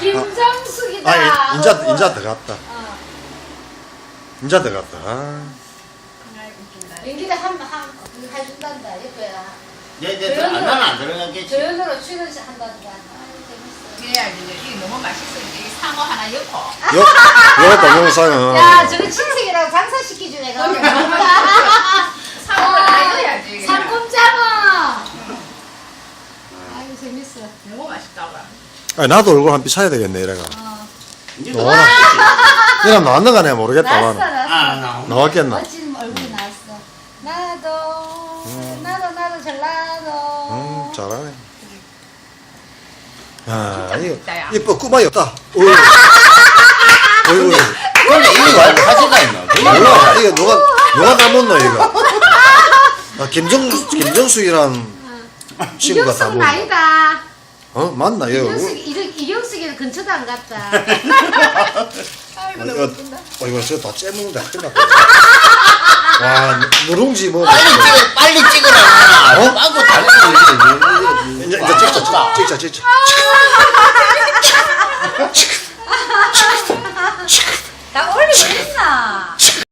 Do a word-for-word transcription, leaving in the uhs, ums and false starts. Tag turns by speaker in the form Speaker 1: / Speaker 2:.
Speaker 1: 김정숙이다.
Speaker 2: 아, 인자,
Speaker 1: 어구.
Speaker 2: 인자 들어갔다.
Speaker 1: 어.
Speaker 2: 인자 들어갔다. 아.
Speaker 1: 연기를 한, 한, 그거 해준단다, 이거야.
Speaker 3: 얘들 안 나는 안 들어가겠지.
Speaker 1: 조연으로 출연한단다. 아유, 재밌어.
Speaker 4: 그래야지 이게 너무 맛있어. 이 상어 하나 엮어.
Speaker 2: 요, 요 동영상은.
Speaker 1: 야, 저거 친색이라고 장사시키지, 내가.
Speaker 4: 상어 하나 엮어야지.
Speaker 1: 삼kum장어. 아유, 재밌어.
Speaker 4: 너무 맛있다고.
Speaker 2: 아니, 나도 얼굴 한 삐 차야 되겠네, 이래가.
Speaker 1: 어.
Speaker 3: 이제
Speaker 2: 너 이랑 나왔는가 내가 모르겠다.
Speaker 1: 났어,
Speaker 2: 나는.
Speaker 1: 났어.
Speaker 3: 아, 나오네.
Speaker 2: 나왔겠나?
Speaker 1: 멋진 얼굴이 나왔어. 나도, 나도, 나도, 전라도.
Speaker 2: 음, 잘하네. 야,
Speaker 4: 진짜
Speaker 2: 이거,
Speaker 4: 맛있다, 야.
Speaker 2: 이뻐, 꾸마이 없다. 어이. 어이구.
Speaker 3: 근데 이게 왜 화제가 있나?
Speaker 2: 몰라, 이거 누가, 누가 담았노, 이거. 아, 김정, 김정숙이란 친구가
Speaker 1: 이경숙은
Speaker 2: 담은.
Speaker 1: 아니다.
Speaker 2: 어? 맞나, 이거.
Speaker 1: 이경숙, 이경- 이경숙이는 근처도 안 갔다.
Speaker 4: 아이고
Speaker 2: 어,
Speaker 4: 너무
Speaker 2: 이거,
Speaker 4: 웃긴다.
Speaker 2: 어, 이거 저거 다 째먹는다. 큰일 났다. 와, 누룽지 뭐.
Speaker 3: 빨리 찍어, 빨리 찍으라.
Speaker 2: 어?
Speaker 3: 빵꾸 달리는
Speaker 2: 이제, 이제 찍자, 찍자, 찍자, 찍자.